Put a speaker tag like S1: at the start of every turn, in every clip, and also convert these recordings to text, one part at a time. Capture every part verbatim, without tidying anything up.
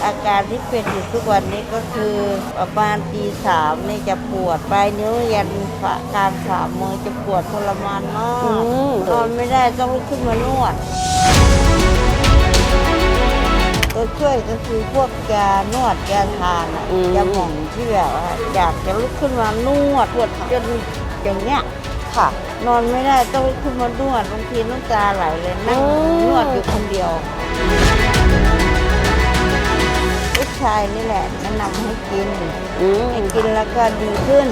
S1: อาการที่เป็นอยู่ทุกวันนี้ก็คือประมาณตีสามนี่จะปวดปลายนิ้วยันฝ่ากลางฝ่ามือจะปวดทรมานมากนอนไม่ได้ต้องลุกขึ้นมานวดตัวช่วยก็คือพวกยานวดยาทานอะยาหม่องที่แบบว่าอยากจะลุกขึ้นมานวดปวดจนอย่างเงี้ยค่ะนอนไม่ได้ต้องลุกขึ้นมานวดบางทีน้ำตาไหลเลยนั่งนวดอยู่คนเดียวลูกชายนี่แหละแนะนำให้กินให้กินแล้วก็ดีขึ้น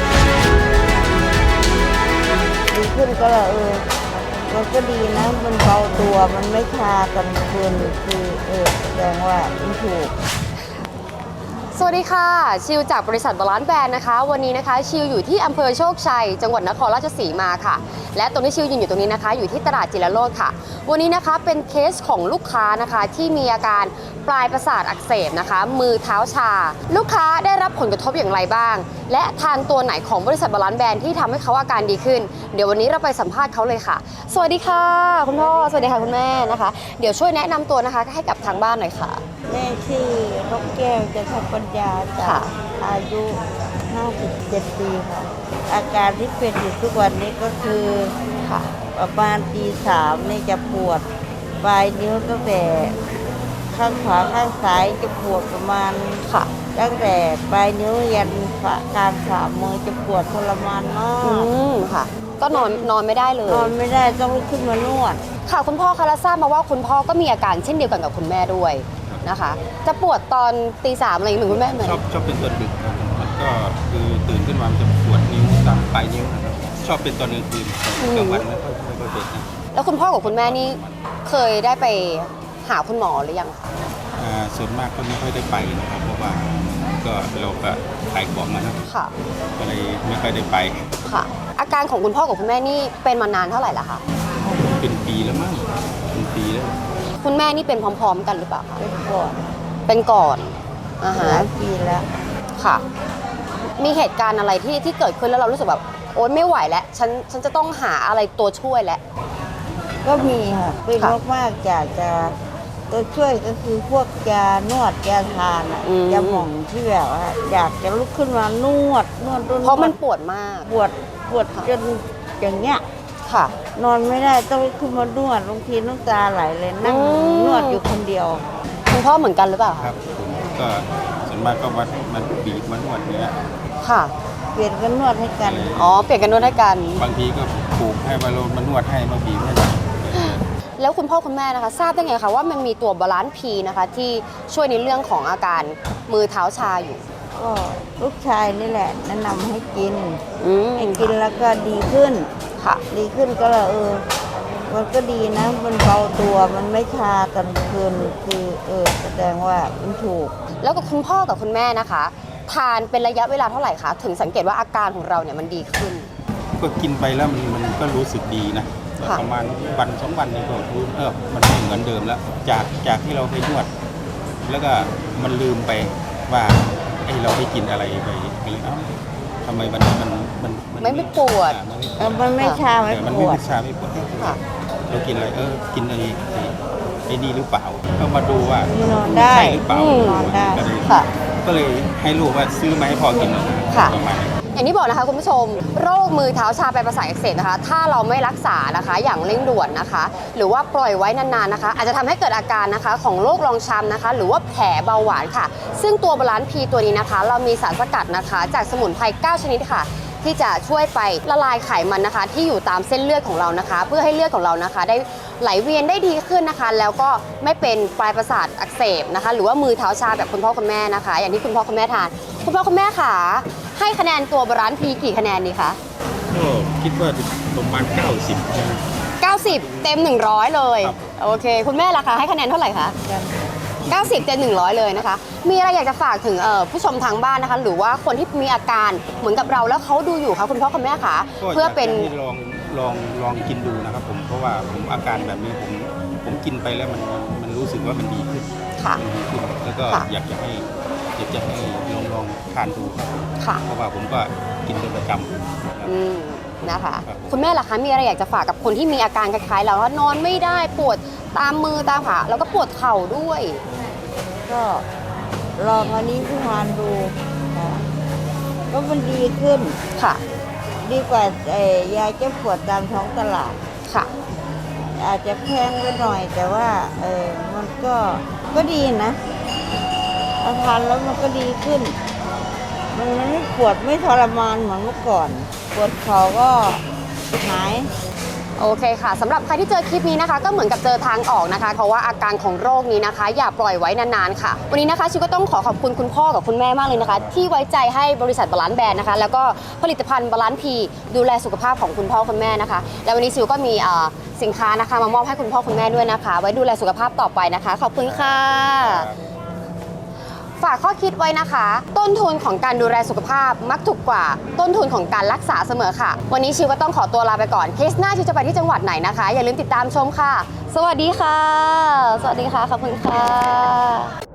S1: ดีขึ้นก็เลยเออมันก็ดีนะมันเบาตัวมันไม่ชากันเกินคือเออแสดงว่ามันถูก
S2: สวัสดีค่ะชิวจากบริษัทบาลานซ์แบรนด์นะคะวันนี้นะคะชิวอยู่ที่อำเภอโชคชัยจังหวัดนครราชสีมาค่ะและตรงที่ชิวยืนอยู่ตรงนี้นะคะอยู่ที่ตลาดจิรโรจน์ค่ะวันนี้นะคะเป็นเคสของลูกค้านะคะที่มีอาการปลายประสาทอักเสบนะคะมือเท้าชาลูกค้าได้รับผลกระทบอย่างไรบ้างและทานตัวไหนของบริษัทบาลานซ์แบรนด์ที่ทำให้เขาอาการดีขึ้นเดี๋ยววันนี้เราไปสัมภาษณ์เขาเลยค่ะสวัสดีค่ะคุณพ่อสวัสดีค่ะคุณแม่นะคะเดี๋ยวช่วยแนะนำตัวนะคะให้กับทางบ้านหน่อยค่ะ
S1: แม่ชื่อนกแก้วจันทปัญญาจากอายุห้าสิบเจ็ดปีค่ะอาการที่เป็นอยู่ทุกวันนี้ก็คือค่ะประมาณตีสามนี่จะปวดปลายนิ้วตั้งแต่ข้างขวาข้างซ้ายจะปวดประมาณค่ะตั้งแต่ปลายนิ้วยันฝ่ากลางฝ่ามือจะปวดทรมานมาก
S2: อืมค่ะก็นอนนอนไม่ได้เลย
S1: นอนไม่ได้ต้องลุกขึ้นมานวด
S2: ค่ะคุณพ่อคะแล้วทราบมาว่าคุณพ่อก็มีอาการเช่นเดียวกันกับคุณแม่ด้วยนะคะจะปวดตอนตีสามอะไรเหมือนคุณแม่ไหม
S3: ชอบชอบเป็นตอนดึกครับมันก็คือตื่นขึ้นมามันจะปวดนิ้วตามปลายนิ้วนะครับชอบเป็นตอนกลางคืนกลางวันไม่ค่อยไม่ค่อยเป็นนะ
S2: แล้วคุณพ่อกับคุณแม่นี่เคยได้ไปหาคุณหมอหรือยังคะ
S3: อ่าส่วนมากก็ไม่ค่อยได้ไปนะครับเพราะว่าก็เราก็ขายของนะ
S2: ค่ะ
S3: ก็เลยไม่ค่อยได้ไป
S2: ค่ะอาการของคุณพ่อกับคุณแม่นี่เป็นมานานเท่าไหร่ละคะ
S3: เป็นปีแล้วมั้งเป็นปีแล้ว
S2: คุณแม่นี่เป็นพร้อมๆกันหรือเปล่าคะ
S1: เป็นก่อน
S2: เป็นก่อนอ่าฮะ
S1: หลายปีแล้ว
S2: ค่ะมีเหตุการณ์อะไรที่ที่เกิดขึ้นแล้วเรารู้สึกแบบโอ๊ยไม่ไหวแล้วฉันฉันจะต้องหาอะไรตัวช่วยแล้ว
S1: ก็มีค่ะเป็นมากๆอยากจะตัวช่วยก็คือพวกยานวดยาทานอะยาหม่องที่แบบว่าอยากจะลุกขึ้นมานวดนวด
S2: เพราะมันปวดมาก
S1: ปวดปวดจนอย่างเงี้ย
S2: ค่ะ
S1: นอนไม่ได้ต้องลุกขึ้นมานวดบางทีน้ำตาไหลเลยนั่งนวดอยู่คนเดียว
S2: คุณพ่อเหมือนกันหรือเปล่า
S3: ครับผมก็ส่วนมากก็วัดมันบีบมันนวดเนี้ย
S2: ค่ะ
S1: เปลี่ยนกันนวดให้กัน
S2: อ๋อเปลี่ยนกันนวดให้กัน
S3: บางทีก็ปลูกให้มาโรนมานวดให้มาบีบให้
S2: แล้วคุณพ่อคุณแม่นะคะทราบได้ไงคะว่ามันมีตัวบาลานซ์พีนะคะที่ช่วยในเรื่องของอาการมือเท้าชาอยู่
S1: ก็ลูกชายนี่แหละแนะนำให้กินให้กินแล้วก็ดีขึ้นค่ะดีขึ้นก็เลยเออมันก็ดีนะมันเบาตัวมันไม่ชากันเกินคือเออแสดงว่ามันถูก
S2: แล้วกับคุณพ่อกับคุณแม่นะคะทานเป็นระยะเวลาเท่าไหร่คะถึงสังเกตว่าอาการของเราเนี่ยมันดีขึ้น
S3: ก็กินไปแล้วมันมันก็รู้สึกดีนะประมาณวันสองวันนี้ก็รู้เออมันไม่เหมือนเดิมแล้วจากจากที่เราไปนวดแล้วก็มันลืมไปว่าไอ้เราได้กินอะไรไปไปเอ้าทำไมวันนี้มันมัน
S2: ไม่ไม่ปวด
S1: มันไม่ชาไม่
S3: ปวดมันไม่ชาไม่ปวดเรากินอะไรเออกินอะไรไอ้นี่หรือเปล่าก็มาดูว่าน
S1: อนได้
S3: ใช่หรือเปล่าน
S1: อนได้
S3: ค่ะก็เลยให้ลูกว่าซื้อมาให้พอกินประมาณ
S2: อย่างที่บอกนะคะคุณผู้ชมโรคมือเท้าชาปลายประสาทอักเสบนะคะถ้าเราไม่รักษานะคะอย่างเร่งด่วนนะคะหรือว่าปล่อยไว้นานๆนะคะอาจจะทำให้เกิดอาการนะคะของโรครองช้ำนะคะหรือว่าแผลเบาหวานค่ะซึ่งตัวบาลานซ์พีตัวนี้นะคะเรามีสารสกัดนะคะจากสมุนไพรเก้าชนิดค่ะที่จะช่วยไปละลายไขมันนะคะที่อยู่ตามเส้นเลือดของเรานะคะเพื่อให้เลือดของเรานะคะได้ไหลเวียนได้ดีขึ้นนะคะแล้วก็ไม่เป็นปลายประสาทอักเสบนะคะหรือว่ามือเท้าชาแบบคุณพ่อคุณแม่นะคะอย่างที่คุณพ่อคุณแม่ทานคุณพ่อคุณแม่ค่ะให้คะแนนตัวบาลานซ์พีกี่คะแนนดีคะ
S3: ก็คิดว่าประมาณเก้าสิบ
S2: เก้าสิบเต็มหนึ่งร้อยเลยโอเคคุณแม่ล่ะคะให้คะแนนเท่าไหร่คะเก้าสิบเต็มหนึ่งร้อยเลยนะคะมีอะไรอยากจะฝากถึงผู้ชมทางบ้านนะคะหรือว่าคนที่มีอาการเหมือนกับเราแล้วเขาดูอยู่คะคุณพ่อคุณแม่คะเพื่อเป็น
S3: ลองลองลองกินดูนะครับผมเพราะว่าผมอาการแบบนี้ผมผมกินไปแล้วมันมันรู้สึกว่ามันดีขึ้น
S2: ค่ะ
S3: แล้วก็อยากจะให้อยากจะให้ลองลองทานดูครับ
S2: ค่ะ
S3: เพราะว่าผมก็กินเป็นประจำ
S2: อืมนะคะคุณแม่ล่ะคะมีอะไรอยากจะฝากกับคนที่มีอาการคล้ายๆเราว่านอนไม่ได้ปวดตามมือตามขาแล้วก็ปวดเข่าด้วย
S1: กก็ลองอันนี้พี่มานดูค่ะก็มันดีขึ้น
S2: ค่ะ
S1: ดีกว่าไอ้ยาแก้ปวดตามท้องตลาด
S2: ค่ะ
S1: อาจจะแพงไปหน่อยแต่ว่าเออมันก็ก็ดีนะทานแล้วมันก็ดีขึ้น มันไม่ปวดไม่ทรมานเหมือนเมื่อก่อน ปวดเข่าก็หาย
S2: โอเคค่ะสำหรับใครที่เจอคลิปนี้นะคะ ก็เหมือนกับเจอทางออกนะคะ เพราะว่าอาการของโรคนี้นะคะ อย่าปล่อยไว้นานๆค่ะ วันนี้นะคะชิวก็ต้องขอขอบคุณคุณพ่อกับคุณแม่มากเลยนะคะ ที่ไว้ใจให้บริษัทบาลานซ์แบรนด์นะคะ แล้วก็ผลิตภัณฑ์บาลานซ์พีดูแลสุขภาพของคุณพ่อคุณแม่นะคะ แล้ววันนี้ชิวก็มีเอ่อสินค้านะคะมามอบให้คุณพ่อคุณแม่ด้วยนะคะ ไว้ดูแลสุขภาพต่อไปนะคะ ขอบคุณค่ะ ฝากข้อคิดไว้นะคะ ต้นทุนของการดูแลสุขภาพมักถูกกว่าต้นทุนของการรักษาเสมอค่ะ วันนี้ชิวก็ต้องขอตัวลาไปก่อนเคสหน้าชิวจะไปที่จังหวัดไหนนะคะ อย่าลืมติดตามชมค่ะ สวัสดีค่ะ สวัสดีค่ะ ขอบคุณค่ะ